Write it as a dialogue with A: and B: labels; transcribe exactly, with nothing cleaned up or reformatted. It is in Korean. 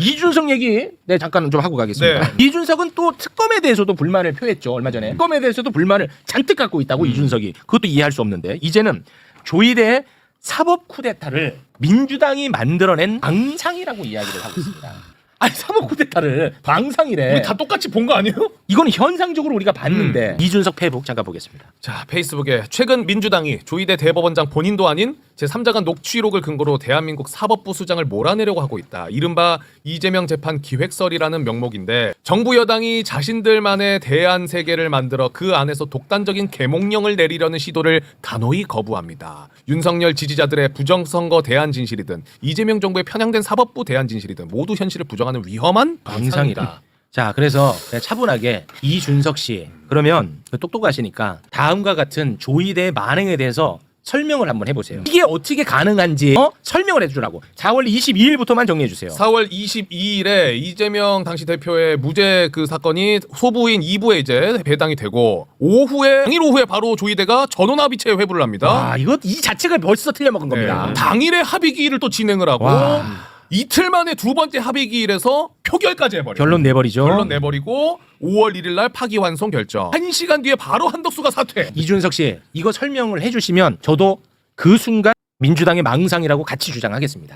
A: 이준석 얘기 네 잠깐 좀 하고 가겠습니다.
B: 네.
A: 이준석은 또 특검에 대해서도 불만을 표했죠. 얼마 전에 특검에 대해서도 불만을 잔뜩 갖고 있다고
B: 음.
A: 이준석이. 그것도 이해할 수 없는데 이제는 조이대의 사법 쿠데타를 민주당이 만들어낸 방상이라고 이야기를 하고 있습니다. 아니 사법 쿠데타를 방상이래.
B: 우리 다 똑같이 본 거 아니에요?
A: 이건 현상적으로 우리가 봤는데
B: 음.
A: 이준석 페이북 잠깐 보겠습니다.
B: 자, 페이스북에 최근 민주당이 조이대 대법원장 본인도 아닌 제삼자간 녹취록을 근거로 대한민국 사법부 수장을 몰아내려고 하고 있다. 이른바 이재명 재판 기획설이라는 명목인데 정부 여당이 자신들만의 대안 세계를 만들어 그 안에서 독단적인 계몽령을 내리려는 시도를 단호히 거부합니다. 윤석열 지지자들의 부정선거 대안 진실이든 이재명 정부의 편향된 사법부 대안 진실이든 모두 현실을 부정하는 위험한
A: 방상이다. 자, 그래서 그냥 차분하게 이준석 씨 그러면 똑똑하시니까 다음과 같은 조이대의 만행에 대해서 설명을 한번 해보세요. 이게 어떻게 가능한지 어? 설명을 해주라고. 사월 이십이일부터만 정리해 주세요.
B: 사월 이십이일에 이재명 당시 대표의 무죄 그 사건이 소부인 이 부에 이제 배당이 되고 오후에 당일 오후에 바로 조이대가 전원합의체 회부를 합니다.
A: 아, 이거 이 자체가 벌써 틀려먹은 겁니다.
B: 네. 당일에 합의기일을 또 진행을 하고
A: 와.
B: 이틀 만에 두 번째 합의기일에서 표결까지 해버려요.
A: 결론 내버리죠.
B: 결론 내버리고 오월 일일 날 파기환송 결정. 한 시간 뒤에 바로 한덕수가 사퇴.
A: 이준석 씨 이거 설명을 해주시면 저도 그 순간 민주당의 망상이라고 같이 주장하겠습니다.